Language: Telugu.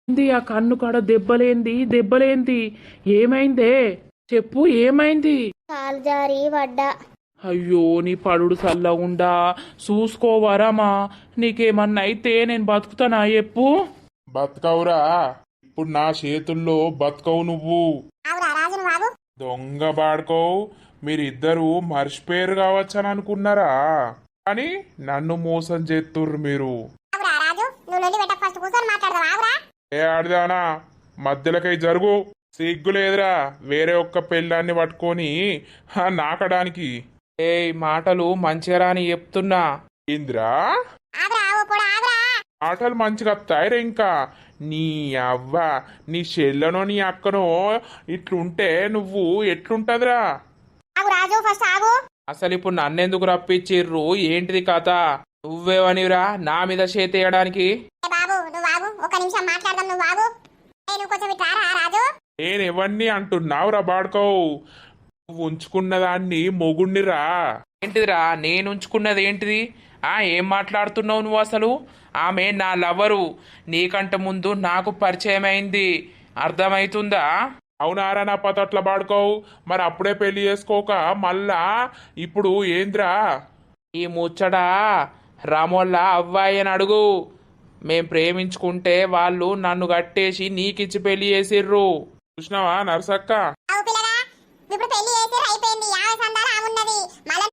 ఏంది ఆ కన్ను కాడ దెబ్బలేంది ఏమైందే చెప్పు ఏమైంది. కాలు జారి పడ్డా. అయ్యో నీ పడుడు సల్లగుండా చూసుకోవరమా. నీకేమన్నా అయితే నేను బతుకుతానా చెప్పు. బతకవురా. ఇప్పుడు నా చేతుల్లో బతకవు నువ్వు. ఆవురా రాజు నువ్వు ఆగు. దొంగ బాడుకోవు. మీరిద్దరూ మర్చిపోయారు కావచ్చని అనుకున్నారా, కానీ నన్ను మోసం చేస్తుర్రు మీరు. ఆవురా రాజు నువ్వు నుండి పెట్టక ఫస్ట్ కూర్చొని మాట్లాడదాం. ఆవురా. ఏ ఆడదానా, మధ్యలోకై జరుగు. సిగ్గు లేదురా వేరే ఒక్క పెళ్ళాన్ని పట్టుకొని నాకడానికి. ఏ మాటలు మంచిగా రాని చెప్తున్నా. ఏంద్రా ఆగురా ఆవు కూడా ఆగురా. ఆటలు మంచిగా వస్తాయిరా. ఇంకా నీ అవ్వ, నీ చెల్లెనో నీ అక్కనో ఇట్లుంటే నువ్వు ఎట్లుంటదిరా. ఆగు రాజు ఫస్ట్ ఆగు. అసలు ఇప్పుడు నన్నెందుకు రప్పించిర్రు, ఏంటిది కథ? నువ్వేవనిరా నా మీద చేతేయడానికి? ఏ బాబు నువ్వు ఆగు, ఒక నిమిషం మాట్లాడదాం. నువ్వు ఆగు. నువ్వు కొంచెం ఇట్లా రా రాజు. నేను ఎవరిని అంటున్నావురా బాడుకోవు. నువ్వు ఉంచుకున్న దాన్ని మొగుణ్ణిరా. ఏంటిదిరా నేను ఉంచుకున్నది ఏంటిది? ఏం మాట్లాడుతున్నావు నువ్వు అసలు? ఆమె నా లవరు, నీకంటే ముందు నాకు పరిచయం అయింది, అర్థమవుతుందా? అవునారా నా పతట్ల బాడుకోవు. మరి అప్పుడే పెళ్లి చేసుకోక మళ్ళా ఇప్పుడు ఏంద్రా? ఈ ముచ్చట రామోళ్ళ అవ్వాయి అని అడుగు. మేం ప్రేమించుకుంటే వాళ్ళు నన్ను కట్టేసి నీకిచ్చి పెళ్లి చేసిర్రు. చూసినావా నరసక్క? ఆవు పిల్లగా ఇప్పుడు పెళ్లి